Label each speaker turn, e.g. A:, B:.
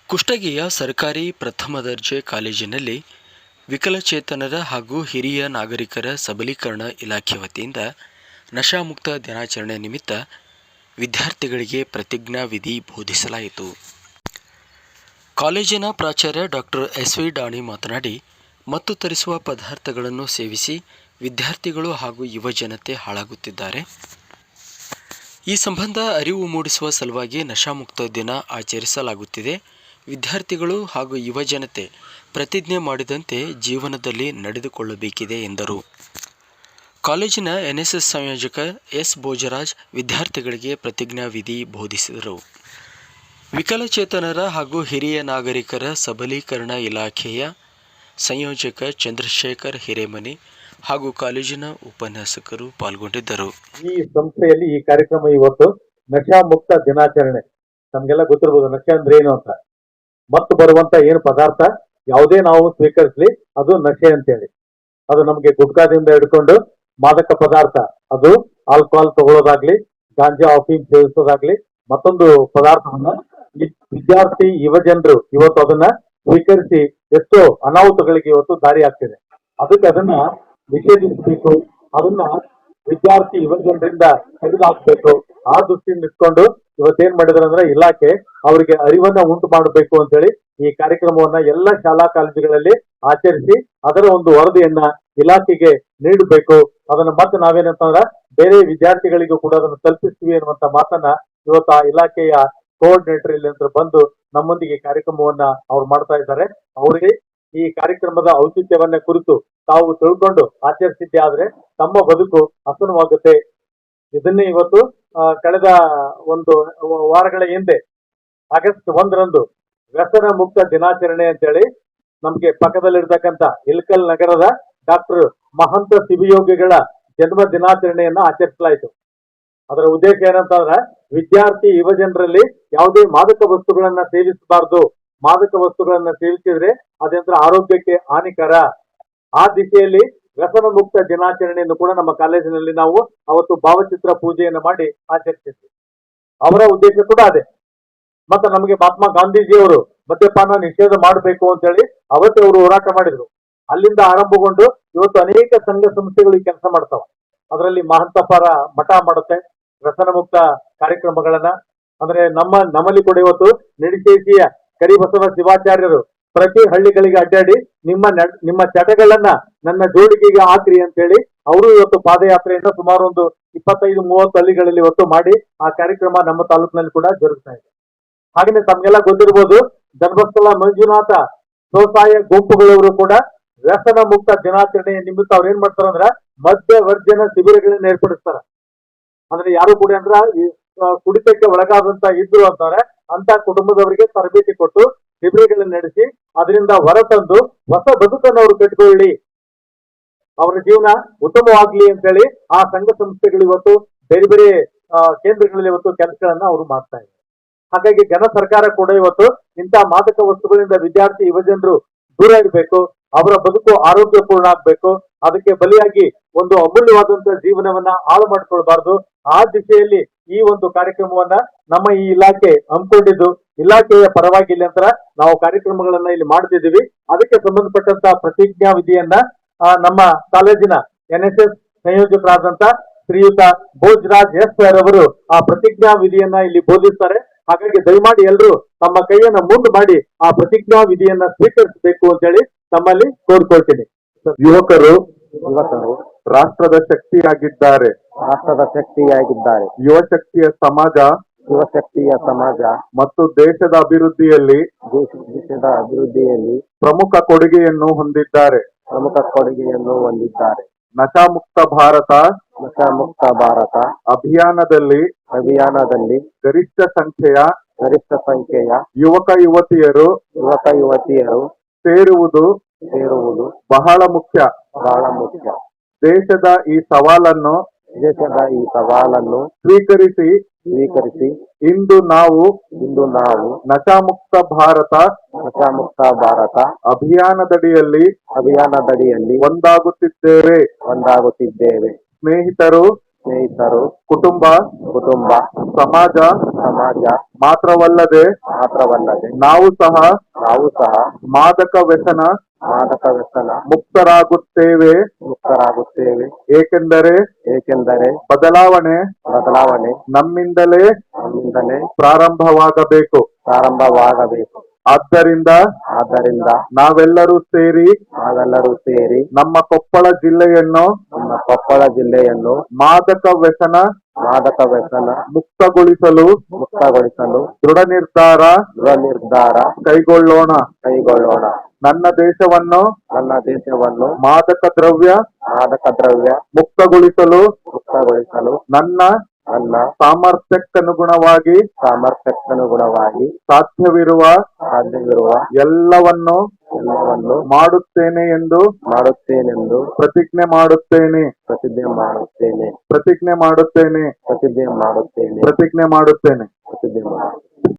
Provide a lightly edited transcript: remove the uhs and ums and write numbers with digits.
A: ಕುಷ್ಟಗಿಯ ಸರ್ಕಾರಿ ಪ್ರಥಮ ದರ್ಜೆ ಕಾಲೇಜಿನಲ್ಲಿ ವಿಕಲಚೇತನರ ಹಾಗೂ ಹಿರಿಯ ನಾಗರಿಕರ ಸಬಲೀಕರಣ ಇಲಾಖೆ ವತಿಯಿಂದ ನಶಾಮುಕ್ತ ದಿನಾಚರಣೆ ನಿಮಿತ್ತ ವಿದ್ಯಾರ್ಥಿಗಳಿಗೆ ಪ್ರತಿಜ್ಞಾ ವಿಧಿ ಬೋಧಿಸಲಾಯಿತು. ಕಾಲೇಜಿನ ಪ್ರಾಚಾರ್ಯ ಡಾಕ್ಟರ್ ಎಸ್.ವಿ. ಡಾಣಿ ಮಾತನಾಡಿ, ಮತ್ತು ತರಿಸುವ ಪದಾರ್ಥಗಳನ್ನು ಸೇವಿಸಿ ವಿದ್ಯಾರ್ಥಿಗಳು ಹಾಗೂ ಯುವಜನತೆ ಹಾಳಾಗುತ್ತಿದ್ದಾರೆ. ಈ ಸಂಬಂಧ ಅರಿವು ಮೂಡಿಸುವ ಸಲುವಾಗಿ ನಶಾಮುಕ್ತ ದಿನ ಆಚರಿಸಲಾಗುತ್ತಿದೆ. ವಿದ್ಯಾರ್ಥಿಗಳು ಹಾಗೂ ಯುವಜನತೆ ಪ್ರತಿಜ್ಞೆ ಮಾಡಿದಂತೆ ಜೀವನದಲ್ಲಿ ನಡೆದುಕೊಳ್ಳಬೇಕಿದೆ ಎಂದರು. ಕಾಲೇಜಿನ ಎನ್ಎಸ್ಎಸ್ ಸಂಯೋಜಕ ಎಸ್. ಭೋಜರಾಜ್ ವಿದ್ಯಾರ್ಥಿಗಳಿಗೆ ಪ್ರತಿಜ್ಞಾ ವಿಧಿ ಬೋಧಿಸಿದರು. ವಿಕಲಚೇತನರ ಹಾಗೂ ಹಿರಿಯ ನಾಗರಿಕರ ಸಬಲೀಕರಣ ಇಲಾಖೆಯ ಸಂಯೋಜಕ ಚಂದ್ರಶೇಖರ್ ಹಿರೇಮನಿ ಹಾಗೂ ಕಾಲೇಜಿನ ಉಪನ್ಯಾಸಕರು ಪಾಲ್ಗೊಂಡಿದ್ದರು.
B: ಈ ಸಂಸ್ಥೆಯಲ್ಲಿ ಈ ಕಾರ್ಯಕ್ರಮ ಇವತ್ತು ನಶಾ ಮುಕ್ತ ದಿನಾಚರಣೆ. ನಮ್ಗೆಲ್ಲ ಗೊತ್ತಿರಬಹುದು ನಶಾ ಅಂದ್ರೆ ಏನು ಅಂತ. ಮತ್ತು ಬರುವಂತ ಏನು ಪದಾರ್ಥ ಯಾವುದೇ ನಾವು ಸ್ವೀಕರಿಸಲಿ ಅದು ನಶೆ ಅಂತೇಳಿ. ಅದು ನಮ್ಗೆ ಗುಟ್ಕಾದಿಂದ ಹಿಡ್ಕೊಂಡು ಮಾದಕ ಪದಾರ್ಥ, ಅದು ಆಲ್ಕೋಹಾಲ್ ತಗೊಳ್ಳೋದಾಗ್ಲಿ, ಗಾಂಜಾ ಅಫೀಮ್ ಸೇವಿಸೋದಾಗ್ಲಿ, ಮತ್ತೊಂದು ಪದಾರ್ಥವನ್ನ ವಿದ್ಯಾರ್ಥಿ ಯುವಜನರು ಇವತ್ತು ಅದನ್ನ ಸ್ವೀಕರಿಸಿ ಎಷ್ಟೋ ಅನಾಹುತಗಳಿಗೆ ಇವತ್ತು ದಾರಿ ಆಗ್ತಿದೆ. ಅದಕ್ಕೆ ಅದನ್ನ ನಿಷೇಧಿಸಬೇಕು, ಅದನ್ನ ವಿದ್ಯಾರ್ಥಿ ಯುವಜನರಿಂದ ತೆಗೆದುಹಾಕ್ಬೇಕು. ಆ ದೃಷ್ಟಿಯಿಂದ ಇಟ್ಕೊಂಡು ಇವತ್ತೇನ್ ಮಾಡಿದ್ರು ಅಂದ್ರೆ ಇಲಾಖೆ ಅವರಿಗೆ ಅರಿವನ್ನ ಉಂಟು ಮಾಡಬೇಕು ಅಂತ ಹೇಳಿ ಈ ಕಾರ್ಯಕ್ರಮವನ್ನ ಎಲ್ಲ ಶಾಲಾ ಕಾಲೇಜುಗಳಲ್ಲಿ ಆಚರಿಸಿ ಅದರ ಒಂದು ವರದಿಯನ್ನ ಇಲಾಖೆಗೆ ನೀಡಬೇಕು. ಅದನ್ನ ಮತ್ತೆ ನಾವೇನಂತಂದ್ರ ಬೇರೆ ವಿದ್ಯಾರ್ಥಿಗಳಿಗೂ ಕೂಡ ಅದನ್ನು ತಲುಪಿಸ್ತೀವಿ ಅನ್ನುವಂತ ಮಾತನ್ನ ಇವತ್ತು ಆ ಇಲಾಖೆಯ ಕೋಆರ್ಡಿನೇಟರ್ ಇಲ್ಲಿ ಅಂತ ಬಂದು ನಮ್ಮೊಂದಿಗೆ ಕಾರ್ಯಕ್ರಮವನ್ನ ಅವ್ರು ಮಾಡ್ತಾ ಇದ್ದಾರೆ. ಅವರಿಗೆ ಈ ಕಾರ್ಯಕ್ರಮದ ಔಚಿತ್ಯವನ್ನ ಕುರಿತು ತಾವು ತಿಳ್ಕೊಂಡು ಆಚರಿಸಿದ್ದೆ ಆದ್ರೆ ತಮ್ಮ ಬದುಕು ಹಸನವಾಗುತ್ತೆ. ಇದನ್ನೇ ಇವತ್ತು ಕಳೆದ ಒಂದು ವಾರಗಳ ಹಿಂದೆ ಆಗಸ್ಟ್ 1ರಂದು ವ್ಯಸನ ಮುಕ್ತ ದಿನಾಚರಣೆ ಅಂತೇಳಿ ನಮ್ಗೆ ಪಕ್ಕದಲ್ಲಿರ್ತಕ್ಕಂಥ ಇಲ್ಕಲ್ ನಗರದ ಡಾಕ್ಟರ್ ಮಹಂತ ಶಿವಯೋಗಿಗಳ ಜನ್ಮ ದಿನಾಚರಣೆಯನ್ನ ಆಚರಿಸಲಾಯಿತು. ಅದರ ಉದ್ದೇಶ ಏನಂತಂದ್ರೆ ವಿದ್ಯಾರ್ಥಿ ಯುವಜನರಲ್ಲಿ ಯಾವುದೇ ಮಾದಕ ವಸ್ತುಗಳನ್ನ ಸೇವಿಸಬಾರ್ದು. ಮಾದಕ ವಸ್ತುಗಳನ್ನ ಸೇವಿಸಿದ್ರೆ ಅದರಿಂದ ಆರೋಗ್ಯಕ್ಕೆ ಹಾನಿಕರ. ಆ ದಿಶೆಯಲ್ಲಿ ವ್ಯಸನ ಮುಕ್ತ ದಿನಾಚರಣೆಯನ್ನು ಕೂಡ ನಮ್ಮ ಕಾಲೇಜಿನಲ್ಲಿ ನಾವು ಅವತ್ತು ಭಾವಚಿತ್ರ ಪೂಜೆಯನ್ನು ಮಾಡಿ ಆಚರಿಸಿದ್ವಿ. ಅವರ ಉದ್ದೇಶ ಕೂಡ ಅದೇ. ಮತ್ತೆ ನಮಗೆ ಮಹಾತ್ಮ ಗಾಂಧೀಜಿಯವರು ಮದ್ಯಪಾನ ನಿಷೇಧ ಮಾಡಬೇಕು ಅಂತ ಹೇಳಿ ಅವತ್ತೇ ಅವರು ಹೋರಾಟ ಮಾಡಿದ್ರು. ಅಲ್ಲಿಂದ ಆರಂಭಗೊಂಡು ಇವತ್ತು ಅನೇಕ ಸಂಘ ಸಂಸ್ಥೆಗಳು ಈ ಕೆಲಸ ಮಾಡ್ತಾವ. ಅದರಲ್ಲಿ ಮಹಂತಪರ ಮಠ ಮಾಡುತ್ತೆ ವ್ಯಸನ ಮುಕ್ತ ಕಾರ್ಯಕ್ರಮಗಳನ್ನ. ಅಂದ್ರೆ ನಮ್ಮಲ್ಲಿ ಕೂಡ ಇವತ್ತು ನಿಡಿಶೇಷಿಯ ಕರಿಬಸವ ಶಿವಾಚಾರ್ಯರು ಪ್ರತಿ ಹಳ್ಳಿಗಳಿಗೆ ಅಡ್ಡಾಡಿ ನಿಮ್ಮ ಚಟಗಳನ್ನ ನನ್ನ ಜೋಡಿಗೆಗೆ ಹಾಕ್ರಿ ಅಂತ ಹೇಳಿ ಅವರು ಇವತ್ತು ಪಾದಯಾತ್ರೆಯಿಂದ ಸುಮಾರು ಒಂದು 25-30 ಹಳ್ಳಿಗಳಲ್ಲಿ ಇವತ್ತು ಮಾಡಿ ಆ ಕಾರ್ಯಕ್ರಮ ನಮ್ಮ ತಾಲೂಕಿನಲ್ಲಿ ಕೂಡ ಜರುಗ್ತಾ ಇದೆ. ಹಾಗೆಯೇ ತಮ್ಗೆಲ್ಲ ಗೊತ್ತಿರ್ಬೋದು ಧರ್ಮಸ್ಥಳ ಮಂಜುನಾಥ ಸ್ವಸಹಾಯ ಗುಂಪುಗಳವರು ಕೂಡ ವ್ಯಸನ ಮುಕ್ತ ದಿನಾಚರಣೆ ನಿಮಿತ್ತ ಅವ್ರು ಏನ್ ಮಾಡ್ತಾರ ಅಂದ್ರ ಮದ್ಯ ವರ್ಜನ ಶಿಬಿರಗಳನ್ನ ಏರ್ಪಡಿಸ್ತಾರ. ಅಂದ್ರೆ ಯಾರು ಕೂಡ ಅಂದ್ರ ಕುಡಿತಕ್ಕೆ ಒಳಗಾದಂತ ಇದ್ರು ಅಂತಾರೆ ಅಂತ ಕುಟುಂಬದವರಿಗೆ ತರಬೇತಿ ಕೊಟ್ಟು ಶಿಬಿರಗಳನ್ನ ನಡೆಸಿ ಅದರಿಂದ ಹೊರತಂದು ಹೊಸ ಬದುಕನ್ನು ಅವರು ಕಟ್ಟಿಕೊಳ್ಳಿ, ಅವರ ಜೀವನ ಉತ್ತಮವಾಗ್ಲಿ ಅಂತ ಹೇಳಿ ಆ ಸಂಘ ಸಂಸ್ಥೆಗಳು ಇವತ್ತು ಬೇರೆ ಬೇರೆ ಕೇಂದ್ರಗಳಲ್ಲಿ ಇವತ್ತು ಕೆಲಸಗಳನ್ನ ಅವರು ಮಾಡ್ತಾ ಇದ್ದಾರೆ. ಹಾಗಾಗಿ ಜನ ಸರ್ಕಾರ ಕೂಡ ಇವತ್ತು ಇಂಥ ಮಾದಕ ವಸ್ತುಗಳಿಂದ ವಿದ್ಯಾರ್ಥಿ ಯುವಜನರು ದೂರ ಇರಬೇಕು, ಅವರ ಬದುಕು ಆರೋಗ್ಯಪೂರ್ಣ ಆಗ್ಬೇಕು. ಅದಕ್ಕೆ ಬಲಿಯಾಗಿ ಒಂದು ಅಮೂಲ್ಯವಾದಂತಹ ಜೀವನವನ್ನ ಹಾಳು ಮಾಡಿಕೊಳ್ಬಾರ್ದು. ಆ ದಿಶೆಯಲ್ಲಿ ಈ ಒಂದು ಕಾರ್ಯಕ್ರಮವನ್ನ ನಮ್ಮ ಈ ಇಲಾಖೆ ಹಮ್ಮಿಕೊಂಡಿದ್ದು ಇಲಾಖೆಯ ಪರವಾಗಿ ಇಲ್ಲಿ ನಂತರ ನಾವು ಕಾರ್ಯಕ್ರಮಗಳನ್ನ ಇಲ್ಲಿ ಮಾಡ್ತಿದ್ದೀವಿ. ಅದಕ್ಕೆ ಸಂಬಂಧಪಟ್ಟಂತ ಪ್ರತಿಜ್ಞಾ ವಿಧಿಯನ್ನ ನಮ್ಮ ಕಾಲೇಜಿನ ಎನ್ಎಸ್ಎಸ್ ಸಂಯೋಜಕರಾದಂತ ಶ್ರೀಯುತ ಭೋಜರಾಜ್ ಎಸ್ ಸರ್ ಅವರು ಆ ಪ್ರತಿಜ್ಞಾ ವಿಧಿಯನ್ನ ಇಲ್ಲಿ ಬೋಧಿಸ್ತಾರೆ. ಹಾಗಾಗಿ ದಯಮಾಡಿ ಎಲ್ಲರೂ ತಮ್ಮ ಕೈಯನ್ನ ಮುಂದೆ ಮಾಡಿ ಆ ಪ್ರತಿಜ್ಞಾ ವಿಧಿಯನ್ನ ಸ್ವೀಕರಿಸಬೇಕು ಅಂತ ಹೇಳಿ ತಮ್ಮಲ್ಲಿ ಕೋರ್ಕೊಳ್ತೀನಿ. ಯುವಕರು ರಾಷ್ಟ್ರದ ಶಕ್ತಿಯಾಗಿದ್ದಾರೆ. ಯುವ ಶಕ್ತಿಯ ಸಮಾಜ ಮತ್ತು ದೇಶದ ಅಭಿವೃದ್ಧಿಯಲ್ಲಿ ಪ್ರಮುಖ ಕೊಡುಗೆಯನ್ನು ಹೊಂದಿದ್ದಾರೆ. ನಶಾಮುಕ್ತ ಭಾರತ ಅಭಿಯಾನದಲ್ಲಿ ಗರಿಷ್ಠ ಸಂಖ್ಯೆಯ ಯುವಕ ಯುವತಿಯರು ಸೇರುವುದು ಬಹಳ ಮುಖ್ಯ. ದೇಶದ ಈ ಸವಾಲನ್ನು ಸ್ವೀಕರಿಸಿ ಇಂದು ನಾವು ನಶಾಮುಕ್ತ ಭಾರತ ಅಭಿಯಾನದಡಿಯಲ್ಲಿ ಒಂದಾಗುತ್ತಿದ್ದೇವೆ. ಸ್ನೇಹಿತರು
C: ಸ್ನೇಹಿತರು,
B: ಕುಟುಂಬ
C: ಕುಟುಂಬ,
B: ಸಮಾಜ
C: ಸಮಾಜ
B: ಮಾತ್ರವಲ್ಲದೆ
C: ಮಾತ್ರವಲ್ಲದೆ
B: ನಾವು ಸಹ ಮಾದಕ ವ್ಯಸನ ಮುಕ್ತರಾಗುತ್ತೇವೆ. ಏಕೆಂದರೆ ಬದಲಾವಣೆ ನಮ್ಮಿಂದಲೇ ಪ್ರಾರಂಭವಾಗಬೇಕು. ಆದ್ದರಿಂದ ನಾವೆಲ್ಲರೂ ಸೇರಿ ನಮ್ಮ ಕೊಪ್ಪಳ ಜಿಲ್ಲೆಯನ್ನು ಮಾದಕ ವ್ಯಸನ ಮುಕ್ತಗೊಳಿಸಲು ದೃಢ ನಿರ್ಧಾರ ಕೈಗೊಳ್ಳೋಣ. ನನ್ನ ದೇಶವನ್ನು ಮಾದಕ ದ್ರವ್ಯ ಮುಕ್ತಗೊಳಿಸಲು ನನ್ನ ಸಾಮರ್ಥ್ಯಕ್ಕನುಗುಣವಾಗಿ ಸಾಧ್ಯವಿರುವ ಎಲ್ಲವನ್ನು ಮಾಡುತ್ತೇನೆ ಎಂದು ಪ್ರತಿಜ್ಞೆ ಮಾಡುತ್ತೇನೆ.